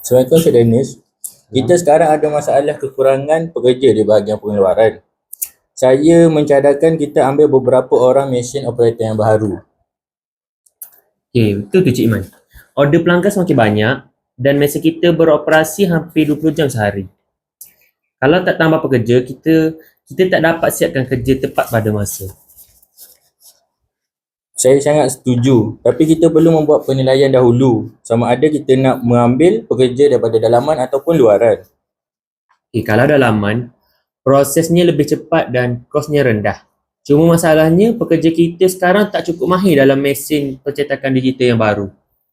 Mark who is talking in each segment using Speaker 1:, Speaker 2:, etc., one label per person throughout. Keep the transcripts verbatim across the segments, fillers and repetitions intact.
Speaker 1: Assalamualaikum Cik Dennis. Kita sekarang ada masalah kekurangan pekerja di bahagian pengeluaran. Saya mencadangkan kita ambil beberapa orang mesin operator yang baru.
Speaker 2: Okey, betul tu Cik Iman. Order pelanggan semakin banyak dan mesin kita beroperasi hampir dua puluh jam sehari. Kalau tak tambah pekerja, kita kita tak dapat siapkan kerja tepat pada masa.
Speaker 1: Saya sangat setuju, tapi kita perlu membuat penilaian dahulu sama ada kita nak mengambil pekerja daripada dalaman ataupun luaran.
Speaker 2: Okey, kalau dalaman, prosesnya lebih cepat dan kosnya rendah. Cuma masalahnya, pekerja kita sekarang tak cukup mahir dalam mesin percetakan digital yang baru.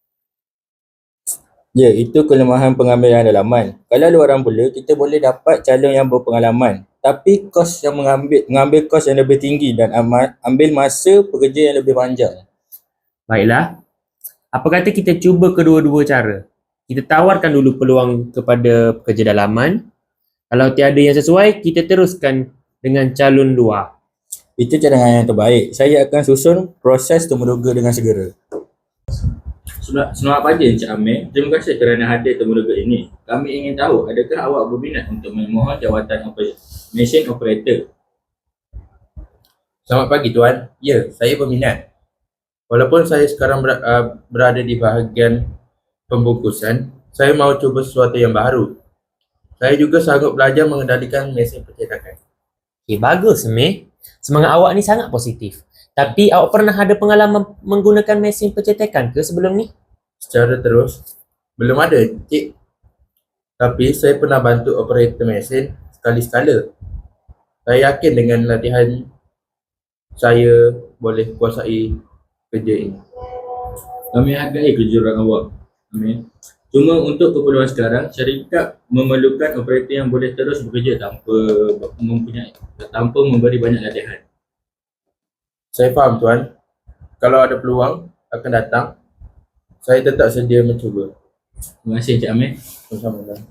Speaker 1: Ya, itu kelemahan pengambilan dalaman. Kalau luaran pula, kita boleh dapat calon yang berpengalaman. Tapi kos yang mengambil mengambil kos yang lebih tinggi dan ama- ambil masa pekerja yang lebih panjang.
Speaker 2: Baiklah, apa kata kita cuba kedua-dua cara? Kita tawarkan dulu peluang kepada pekerja dalaman. Kalau tiada yang sesuai, kita teruskan dengan calon luar.
Speaker 1: Itu cadangan yang terbaik. Saya akan susun proses temuduga dengan segera. Selamat, selamat pagi Encik Amir. Terima kasih kerana hadir temuduga ini. Kami ingin tahu, adakah awak berminat untuk memohon jawatan oper- mesin operator?
Speaker 3: Selamat pagi Tuan. Ya, saya berminat. Walaupun saya sekarang ber, uh, berada di bahagian pembungkusan, saya mahu cuba sesuatu yang baru. Saya juga sanggup belajar mengendalikan mesin percetakan.
Speaker 2: Okey, bagus Amir. Semangat awak ni sangat positif. Tapi awak pernah ada pengalaman menggunakan mesin percetakan ke sebelum ni?
Speaker 3: Secara terus, belum ada Cik. Tapi saya pernah bantu operator mesin sekali-sekala. Saya yakin dengan latihan saya boleh kuasai kerja ini.
Speaker 1: Kami hargai kejujuran awak, Amir. Cuma untuk keperluan sekarang, syarikat memerlukan operator yang boleh terus bekerja tanpa mempunyai tanpa memberi banyak latihan.
Speaker 3: Saya faham Tuan. Kalau ada peluang akan datang, saya tetap sedia mencuba.
Speaker 1: Terima kasih Encik Amir.
Speaker 3: Sama-sama Tuan.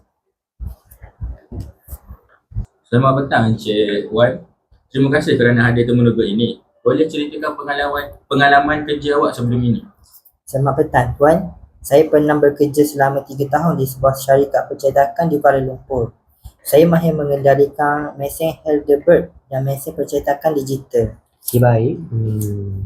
Speaker 1: Selamat petang Encik Wan. Terima kasih kerana hadir temuduga ini. Boleh ceritakan pengalaman pengalaman kerja awak sebelum ini?
Speaker 4: Selamat petang Tuan. Saya pernah bekerja selama tiga tahun di sebuah syarikat percetakan di Kuala Lumpur. Saya mahir mengendalikan mesin Heidelberg dan mesin percetakan digital.
Speaker 2: Okey, baik. Hmm.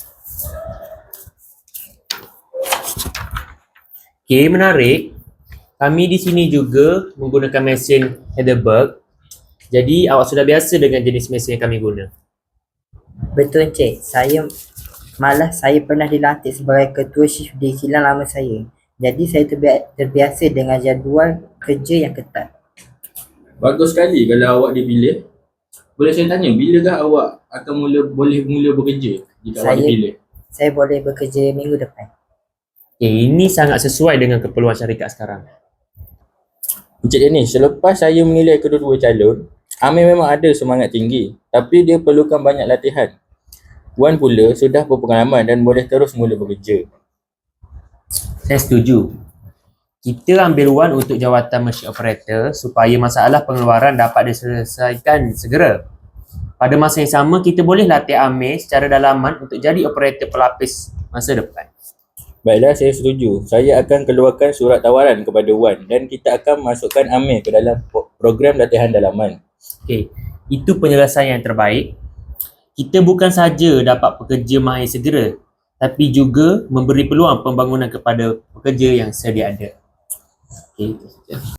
Speaker 2: Okey, menarik. Kami di sini juga menggunakan mesin Heidelberg. Jadi awak sudah biasa dengan jenis mesin yang kami guna.
Speaker 4: Betul Encik, saya malah saya pernah dilantik sebagai ketua shift di kilang lama saya. Jadi saya terbi- terbiasa dengan jadual kerja yang ketat.
Speaker 1: Bagus sekali kalau awak dipilih. Boleh saya tanya, bilakah awak akan mula boleh mula bekerja jika awak
Speaker 4: Saya-
Speaker 1: dipilih?
Speaker 4: Saya boleh bekerja minggu depan.
Speaker 2: Okey, ini sangat sesuai dengan keperluan syarikat sekarang.
Speaker 1: Encik Dennis, selepas saya menilai kedua-dua calon, Amir memang ada semangat tinggi, tapi dia perlukan banyak latihan. Wan pula sudah berpengalaman dan boleh terus mula bekerja.
Speaker 2: Saya setuju. Kita ambil Wan untuk jawatan machine operator supaya masalah pengeluaran dapat diselesaikan segera. Pada masa yang sama, kita boleh latih Amir secara dalaman untuk jadi operator pelapis masa depan.
Speaker 1: Baiklah, saya setuju. Saya akan keluarkan surat tawaran kepada Wan dan kita akan masukkan Amir ke dalam po- program latihan dalaman.
Speaker 2: Okey, itu penyelesaian yang terbaik. Kita bukan saja dapat pekerja mahir segera, tapi juga memberi peluang pembangunan kepada pekerja yang sedia ada. Okey, itu saja.